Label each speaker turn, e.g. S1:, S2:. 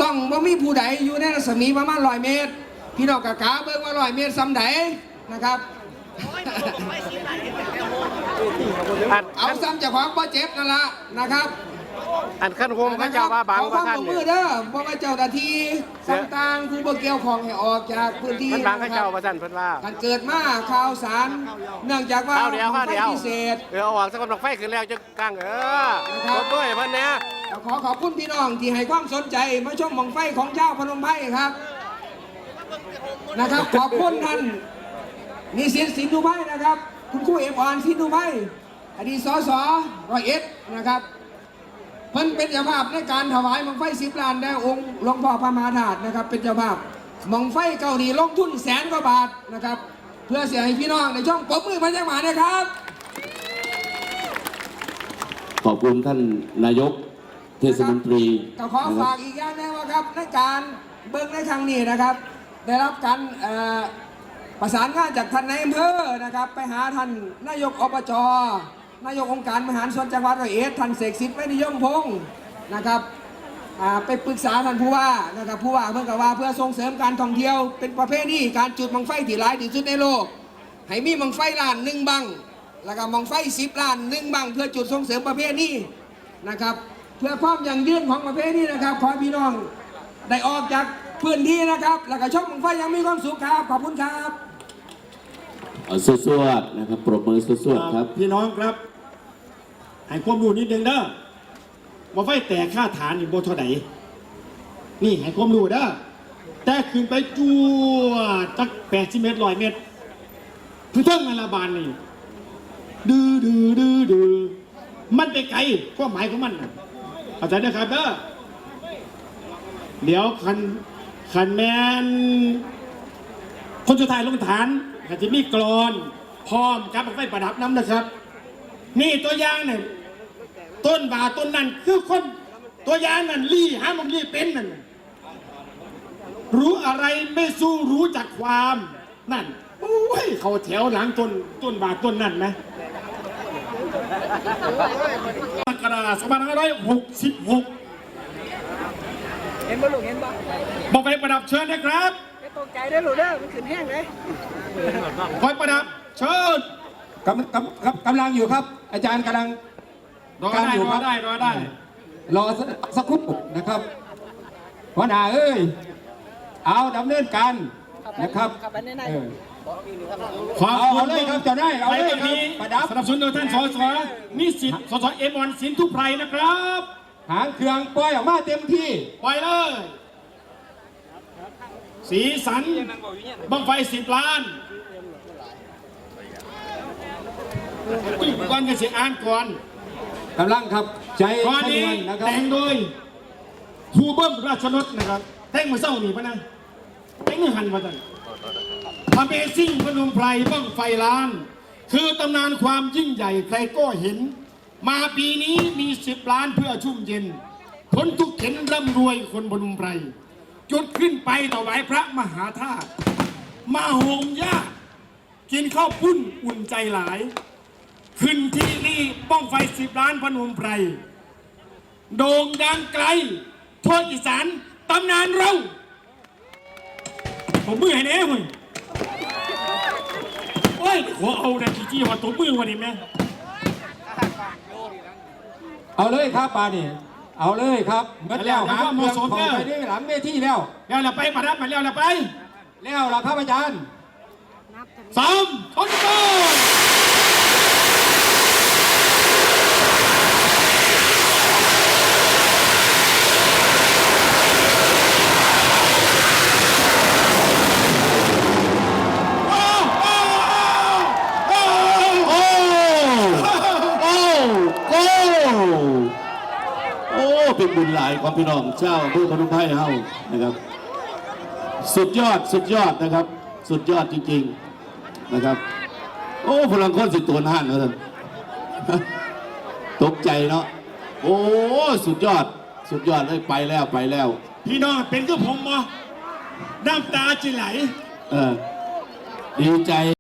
S1: ต้องว่ามีผู้ใดอยู่ในรัศมีประมาณ100 เมตรพี่น้องกะกาเบิ่งว่า100 เมตรซ้ำใดนะครับเอาซ้ำจากของบ่เจ็บนั่นละนะครับ
S2: อันขั้นโฮมเขาเจ้าว่าบาง
S1: ว่าท่านมือเด้อบ่ว่าเจ้าหน้าที่ต่างๆผู้บ่เกี่ยวข้องให้ออกจากพื้นที่
S2: มันบางเขาเจ้าว่าท่านเพิ่นว่า
S1: การเกิดมาข่าวสารเนื่องจากว่า
S2: เดี๋ยว
S1: พิเศษ
S2: เอาออกสักคนไฟขึ้นแล้วจะกลางนะครับด้วยเพิ่นเนี่ย
S1: ขอบคุณพี่น้องที่ให้ความสนใจมาชมบั้งไฟของเจ้าพนมไพรครับนะครับขอบคุณท่านนิสิตสินธุไพรนะครับคุณครูเอ็มออนสินธุไพรอดีตสส101นะครับเพิ่นเป็นเจ้าภาพในการถวายบั้งไฟ10 ล้านแด่องค์หลวงพ่อพระมหาธาตุนะครับเป็นเจ้าภาพบั้งไฟเก่านี่ลงทุน100,000 กว่าบาทนะครับเพื่อเสียให้พี่น้องในช่องปรบมือพันจังหวะนะครับ
S3: ขอบคุณท่านนายกเทศมนตรี
S1: ก็ขอฝากอีกอย่างนึงว่าครับในการเบิ่งในครั้งนี้นะครับได้รับการประสานงานจากท่านนายอำเภอนะครับไปหาท่านนายกอบจนายกองค์การบริหารส่วนจังหวัด101ท่านเสกสิทธิ์ไม่นิยมพงศ์นะครับไปปรึกษาท่านผู้ว่านะครับผู้ว่าเพื่อว่าเพื่อส่งเสริมการท่องเที่ยวเป็นประเภทนี้การจุดบั้งไฟที่หลายที่สุดในโลกให้มีบั้งไฟล้าน1 บั้งแล้วก็บั้งไฟ10 ล้าน1 บั้งเพื่อจุดส่งเสริมประเภทนี้นะครับเพื่อความยั่งยืนของประเภทนี้นะครับขอพี่น้องได้ออกจากพื้นที่นะครับแล้วก็ชมบั้งไฟยังมีความสุขครับขอบคุณครับ
S3: สวดๆนะครับปรบมือสวดๆครับ
S4: พี่น้องครับให้ความรู้นิดนึงเด้อว่าไฟแตกค่าฐานนี่โบเท่าไหร่นี่ให้ความรู้เด้อแต่ขึ้นไปจั่วจัก80 เมตร100 เมตรคือท่องนาลาบานนี่ดื้อมันไปไกลความหมายของมันเข้าใจนะครับเด้อเดี๋ยวคันแมนคนสุดท้ายลงฐานก็จะมีกรอนพร้อมกับไฟประดับน้ำนะครับนี่ตัวอย่างเนี่ยต้นบาต้นนั้นคือคนตัวอย่างนั่นหามันเป็นนั่นรู้อะไรไม่สู้รู้จักความนั่นโอ้ยเขาแถวหลังต้นบาต้นนั้นนะกระดาษ2566
S1: เห็นบ่ลูกเห็นบ่
S4: บอกไปประดับเชิญนะครับ
S1: ไม่ตกใจได้หรือเด้อมันขึ้นแห้งเลย
S4: คอยประดับเชิญ
S1: กำลังอยู่ครับอาจารย์กำลัง
S4: รอได้
S1: รอสักครู่นะครับหัวหน้าเอ้ยเอาดำเนินการนะครับ
S4: ขอบคุณ
S1: เลยครับจะได้เอาเลยครับ
S4: ประดับสนับสนุนโดยท่านสสนิสิตสสเอ็มออนสินทุไพรนะครับ
S1: หางเครื่องปล่อยออกมาเต็มที่
S4: ปล่อยเลยสีสันบั้งไฟ10 ล้านก่อนจะเสียอ่านก่อน
S1: กำลังครับใจ
S4: ตอนนี้แต่งโดยครูเบิ้มราชนนท์นะครับแต่งมาเศร้าหนีปะนะแต่งเนื้อหันมาตั้งAmazing พนมไพรบั้งไฟล้านคือตำนานความยิ่งใหญ่ใครก็เห็นมาปีนี้มี10 ล้านเพื่อชุ่มเย็นพ้นทุกเข็นร่ำรวยคนพนมไพรจุดขึ้นไปถวายพระมหาธาตุมาโฮมญาติกินข้าวปุ้นอุ่นใจหลายขึ้นที่นี่บ้องไฟ10 ล้านพนมไพรโด่งดังไกลทั่วอีสานตำนานเราผมมือให้แน่เว้ยโอ้ยขอเอานะจี้ว่าตัวมือวันนี้แม่
S1: เอาเลยครับปานี่เอาเลยครับเมื่อแล้วหาเมืองของไปได้หลังเวทีแล้ว
S4: เราไปประดับมาแล้วไป
S1: แล้วล่ะครับอาจารย์
S4: 3 2 1
S3: เป็นบุญหลายของพี่น้องเจ้าอำเภอพนมไพรเฮานะครับสุดยอดนะครับสุดยอดจริงๆนะครับโอ้พลังคนสิตัวน่านนะท่านตกใจเนาะโอ้สุดยอดเลยไปแล้ว
S4: พี่น้องเป็นก็ผมมั้งน้ำตาจะไหล
S3: ดีใจ